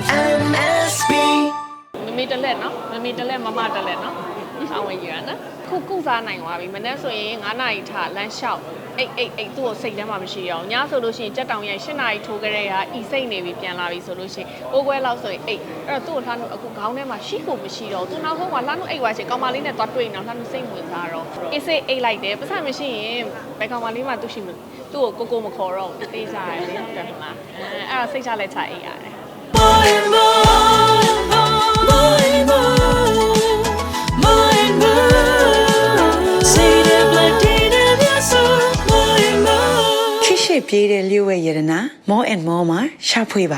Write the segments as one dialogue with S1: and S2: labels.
S1: MSB
S2: မမေတလက်နော်မမေတလက်မမတလက်နော်အောင်ဝင်ရနော်ခုစားနိုင်သွားပြီမနေ့ဆိုရင်9နာရီထလမ်းလျှောက်အိတ်သူ့ကိုစိတ်ထဲမှာမရှိအောင်ညဆိုလို့ရှိရင်ကြက်တောင်ရိုက်10နာရီထိုးကြတဲ့ဟာဤစိတ်နေပြီပြန်လာပြီဆိုလို့ရှိရင်အိုးခွဲလောက်ဆိုရင်အိတ်အဲ့တော့သူ့ကိုလှမ်းလို့အခုခေါင်းထဲမှာရှိကိုမရှိတော့သူနောက်ဆုံးကလှမ်းလို့အိတ်သွားချင်ကောင်မလေးနဲ့သွားတွေ့နေတော့လှမ်းလို့စိတ်ဝင်စားတော့အေးစိတ်အိတ်လိုက်တယ်ပတ်စံမရှိရင်ဘယ်ကောင်မလေးမှသူ့ရှိမသူ့ကိုကိုမခေါ်တော့တေးစားရတယ်ဟုတ်တယ်မလားအဲ့တော့စိတ်ချလက်ချအိတ်ရတယ်
S3: ပြေးတဲ့လျှို့ဝဲရတနာ more and more မှာရှာဖွေပါ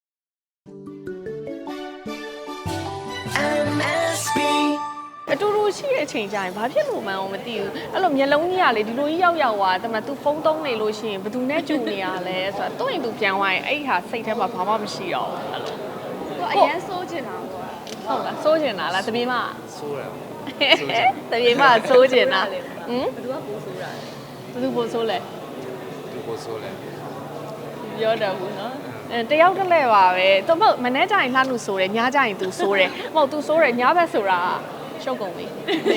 S1: MSB
S2: အတူတူရှိတဲ့အချိန်ကျရင်ဘာဖြစ်လို့မှန်းမသိဘူးအဲ့လိုမျက်လုံးကြီးကလေဒီလိုကြီးရောက်သွားတယ်မှာ तू ဖုန်းသုံးနေလို့ရှိရင်ဘယ်သူနဲ့ကြုံနေရလဲဆိုတော့သူ့ရင်သူပြန်သွားရင်အဲ့ဟာစိတ်ထဲမှာဘာမှမရှိတော့ဘူးအဲ့လိုသူအရင်စိုးချင်တာပေါ့ဟုတ်လားစိုးချင်တာလားတပြေမ
S4: စိုးတယ်
S2: တပြေမစိုးချင်တာဟမ်ဘယ်သူကပိုစိုးတာလဲဘယ်သူပိုစိုးလဲ
S4: သူပိုစိုးလဲ
S2: ပြောတယ်ဘူးနော်တယောက်တလဲပါပဲသူမဟုတ်မနေ့ကျရင်လှလို့ဆိုတယ်ညကျရင် तू ဆိုတယ်မဟုတ် तू ဆိုတယ်ညဘက်ဆိုတာရှုပ်ကုန်ပြီ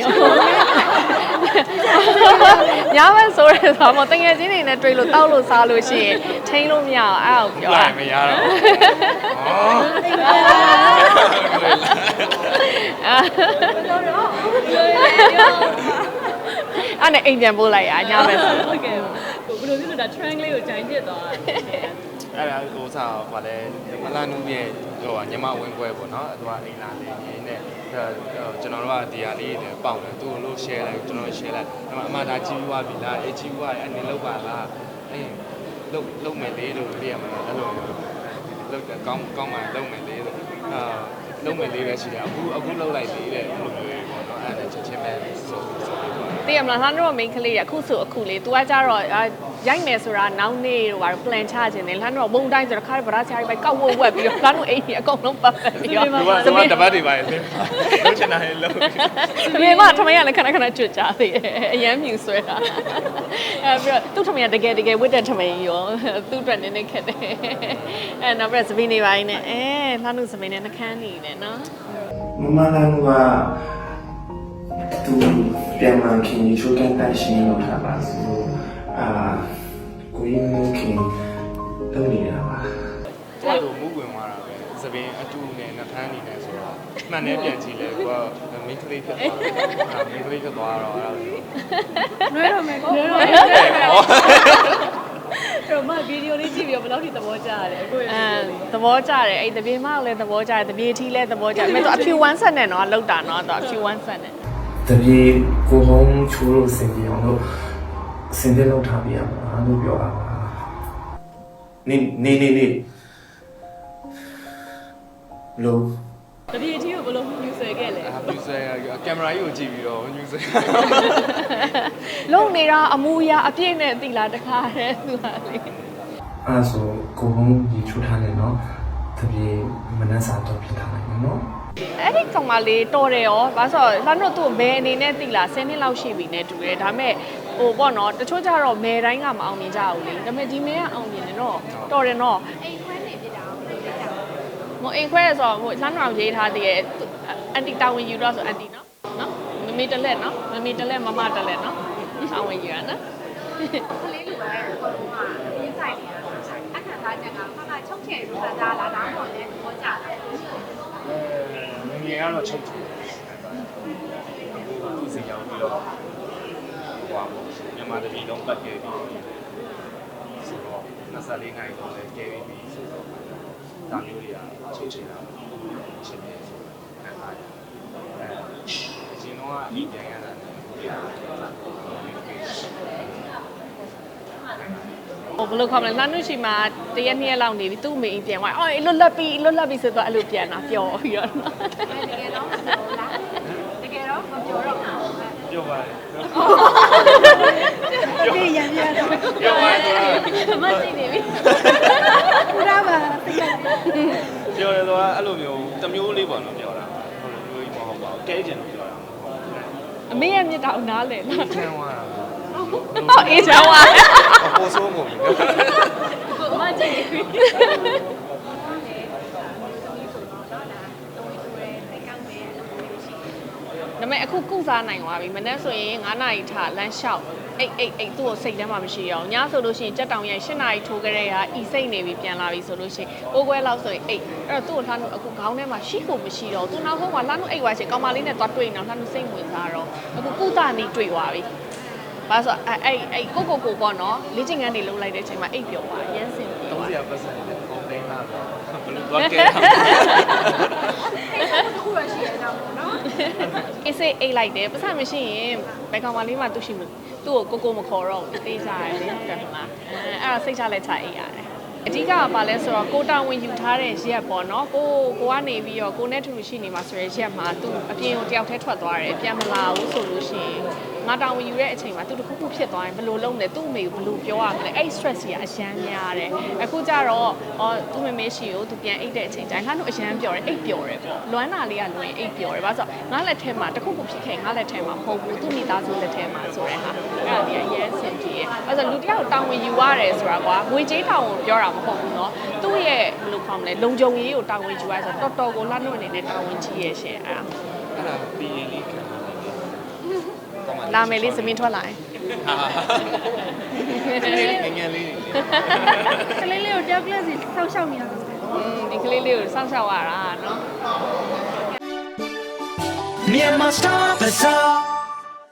S2: ညဘက်ဆိုတယ်ဆိုတော့တကယ်ချင်းနေနဲ့တွေ့လို့တောက်လို့စားလို့ရှိရင်ထိန်းလို့မရအောင်အဲ့ဒါကိုပြော
S4: လိုက်မရတော့
S2: အဲ့နဲ့အိမ်ပြန်ပို့လိုက်ရညဘက်ဆို
S5: ဟုတ်ကဲ့ဘယ်လိုဖြစ်လို့ဒါ trend လေးကိုဂျိုင်းဖြစ်သွားတာ
S4: အဲ့ဒါဟိုစားဟိုလဲမလာနူးရဲ့ဟိုညမဝင်းပွဲပေါ့နော်သူကအိမ်လာနေနေနဲ့ကျွန်တော်တို့ကဒီဟာလေးတွေပေါက်တယ်သူ့လို့ share လိုက်ကျွန်တော် share လိုက်အမှဒါကြီးပြီးသွားပြီလားအေးကြီးပြီးသွားရင်အနေလောက်ပါလားအေးလုံမယ်လေးလို့ပြရမှာအဲ့လိုလုံကောင်းမှလုံမယ်လေးလို့လုံမယ်လေးပဲရှိတယ်အခုလုံလိုက်သေးတယ်အဲ့လိုမျိုးပေါ့နော်အဲ့ဒါချက်ချင်းပဲဆို
S2: သိရမလားလှမ်းတော့ main ကလေးရအခုဆိုအခုလေ तू ကကြတော့ရိုက်မယ်ဆိုတာနောက်နေ့တော့ဘာ plan ချခြင်းတယ်လှမ်းတော့ဘုံတိုင်းဆိုတော့ခါရဗရာချာရီပဲကောက်ဝက်ဝက်ပြီးတော့လှမ်းတော့အိမ်ကြီးအကုန်လုံးပတ်ပတ်ပြီးတော့
S4: သမီးတပတ်တွေပါလေလုံးချင်တာလေလုံး
S2: သမီးကထမင်းကလည်းခဏခဏကြွကြသေးတယ်အရန်မြူဆွဲတာအဲပြီးတော့သူ့ထမင်းကတကယ်ဝတ်တဲ့ထမင်းရောသူ့အတွက်နည်းနည်းခက်တယ်အဲနောက်ပြီးစပင်းနေပိုင်းနဲ့လှမ်းလို့စပင်းနဲ့နှခမ်းနေတယ်နော်
S6: မမလာကသူပြန်မှခင်ကြီးချိုးကန်တန့်ရှင်းလို့ထားပါစို့ကိုရင်းမျိုးခင်လုပ်နေတာပါ
S4: အဲ့လိုမူးဝင်သွားတာပဲစပင်းအတူနဲ့နှထမ်းနေတယ်ဆိုတော့မှန်တယ်ပြန်ကြည့်လဲကိုကမိန်းကလေးဖြစ်သွားတယ်မိန်းကလေးဖြစ်သွားတော့အဲ့ဒါ
S5: နွဲတော့မယ်ကိုနွဲတော့မယ်တော့မဗီဒီယိုလေးကြည့်ပြီးတော့ဘယ်လောက်ထိသဘောကျရတယ်အခု
S2: သဘောကျတယ်အဲ့တပြေမလည်းသဘောကျတယ်တပြေထီးလည်းသဘောကျတယ်အဲ့တော့အဖြူဝမ်းဆက်နဲ့တော့လောက်တာနော်တော့အဖြူဝမ်းဆက်နဲ့
S6: တပြေကိုဟုံးချိုးလို့စင်ပြအောင်လို့စင်ပြလောက်ထားပြရမှာလို့ပြောတာပါနေလို့
S5: တပြေထီးကိုဘယ်လိုမြူဆွဲခဲ့လဲ
S4: မြူဆွဲကင်မရာကြီးကိုကြည့်ပြီးတော့မြူဆွဲ
S2: လုံနေတာအမူအရာအပြည့်နဲ့သိလားတခါတည်းသူဟာလေ
S6: အဲ့ဆိုကိုဟုံးကြီးချိုးထားတယ်နော်တပြေမနှက်စာတော့ပြထားလိုက်နော်
S2: အဲ့ဒီကောင်မလေးတော်တယ်ရောဘာလို့ဆိုတော့လှမ်းတော့သူ့ဘယ်အနေနဲ့သိလား10နှစ်လောက်ရှိပြီနဲ့တူတယ်ဒါပေမဲ့ဟိုပေါ့နော်တချို့ကြတော့မဲတိုင်းကမအောင်မြင်ကြဘူးလေဒါပေမဲ့ဒီမဲကအောင်မြင်တယ်နော်တော်တယ်နော်အိမ်ခွဲနေပြတာအောင်လုပ်ကြမအိမ်ခွဲဆိုတော့ဟိုလှမ်းတော်ရေးထားသေးရဲ့အန်တီတာဝန်ယူတော့ဆိုအန်တီနော်မမေတလက်နော်မမေတလက်မမတလက်နော်တာဝန်ယူရနော်ကလေးလူပဲဟိုကရင်းဆိုင်နေတာအခက်ထားချက်ကခါချုပ်ချယ်လို့ခံစားလာတာတော့လည်းသဘောကျတာ
S4: ငယ်ကတော့ချုပ်ချင်သူ့စီရောက်ပြီးတော့ဟိုမြန်မာတပြည်လုံးပတ်ခဲ့ပြီးဆိုတော့24နိုင်တော့လည်းကဲပြီးဆိုတော့ဒါမျိုးတွေကချုပ်ချင်တာရှင်းနေဆိုခံစားရတယ်ရှင်တော့အရင်ပြန်ရတာ
S2: ဘယ်လိုခေါ်မလဲလှမ်းလို့ရှိမှတရက်နှစ်ရက်လောက်နေပြီသူ့မိအိမ်ပြန်သွားအော်လွတ်လပ်ပြီဆိုတော့အဲ့လိုပြန်တာပျော်ပြီးတော့တကယ်တော့မပြောလားတကယ်တော့မပြောတော့
S4: ပြောပါတယ်
S5: ဒီရံရတော့
S4: ပြောပါတယ်
S2: မရှိနေပြီ
S5: ဘုရားပါ
S4: ပြောရတော့အဲ့လိုမျိုးတမျိုးလေးပေါ့နော်ပြောတာဟိုလိုမျိုးကြီးမဟုတ်ပါဘူးကဲကျင်လို့ပြောတာ
S2: အမေရဲ့မြစ်တာကိုနားလဲလား
S4: ချမ်းသွားတာ
S2: ဟုတ်အေးချမ်းသွား
S4: ပိုဆိုးမို့
S5: ကိုမကြည့်
S2: ဒါပေမဲ့အခုကုစားနိုင်သွားပြီမနေ့ဆိုရင်9နာရီထလမ်းလျှောက်အိတ်သူ့ကိုစိတ်ထဲမှာမရှိအောင်ညဆိုလို့ရှိရင်ကြက်တောင်ရဲ့10နာရီထိုးကြတဲ့ဟာဤစိတ်နေပြီပြန်လာပြီဆိုလို့ရှိရင်ပိုးခွဲလောက်ဆိုရင်အိတ်အဲ့တော့သူ့ကိုလှမ်းလို့အခုခေါင်းထဲမှာရှိဖို့မရှိတော့သူနောက်ဆုံးကလှမ်းလို့အိတ်သွားချင်ကောင်မလေးနဲ့သွားတွေ့နေတော့လှမ်းလို့စိတ်ဝင်စားတော့အခုကုသနေတွေ့သွားပြီဘာဆိုအဲ့ကိုပေါ့နော်လေ့ကျင့်ခန်းတွေလုပ်လိုက်တဲ့အချိန်မှာအိတ်ပျော်သွားရမ်းစင်ပြေသွား
S4: 30ပတ်စံနဲ့ပုံသိမ်းလာတော့ဘယ်လိုသွားကဲ
S2: အေးစေးအိတ်လိုက်တယ်ပတ်စံမရှိရင်ဘယ်ကောင်မလေးမှသူ့ရှိမသူ့ကိုကိုမခေါ်တော့ဘူးတေးစားတယ်လေဟုတ်တယ်မလားအဲ့တော့စိတ်ချလက်ချအိတ်ရတယ်အဓိကကဘာလဲဆိုတော့ကိုတာဝန်ယူထားတဲ့ရက်ပေါ့နော်ကိုကနေပြီးတော့ကိုနဲ့ထူရှိနေမှာဆိုရဲရက်မှာသူအပြင်ကိုတယောက်တည်းထွက်သွားတယ်ပြန်မလာဘူးဆိုလို့ရှိရင်ငါတာဝန်ယူတဲ့အချိန်မှာသူတခုခုဖြစ်သွားရင်ဘယ်လိုလုပ်လဲသူ့အမေကိုဘယ်လိုပြောရမလဲအဲ့ stress ကြီးကအရန်များတယ်အခုကျတော့သူ့မမေရှိကိုသူပြန်အိတ်တဲ့အချိန်တိုင်းငါတို့အရန်ပျော်တယ်အိတ်ပျော်တယ်ပေါ့လွမ်းနာလေးကလွင်အိတ်ပျော်တယ်ဘာလို့ဆိုတော့ငါလက်ထဲမှာတခုခုဖြစ်ခဲ့ငါလက်ထဲမှာမဟုတ်ဘူးသူ့မိသားစုလက်ထဲမှာဆိုတဲ့ဟာအဲ့ဒါဒီအရန်ဆင်ပြေအဲ့ဒါလူတယောက်တာဝန်ယူရတယ်ဆိုတာကွာငွေကြေးတာဝန်ပြောတာမဟုတ်ဘူးเนาะသူ့ရဲ့ဘယ်လိုခေါ်မလဲလုံခြုံရေးကိုတာဝန်ယူရဆိုတော့တော်ကိုလှနှုတ်အနေနဲ့တာဝန်ကြီးရဲ့ရှင်အဲ့ဒါ
S4: အဲ့ဒါပြီးရင်လေးခံပါလိမ့်မယ်
S2: လာမယ်လေးသမင်းထွက်လာရင်
S4: ငယ်လေး
S5: ကလေးလေးကိုတယောက်ကလေးစီဆောက်ရှောက်နေရတာ
S2: ဒီကလေးလေးကိုစောင့်ရှောက်ရတာเนาะ
S3: Myanmar Star Bazaar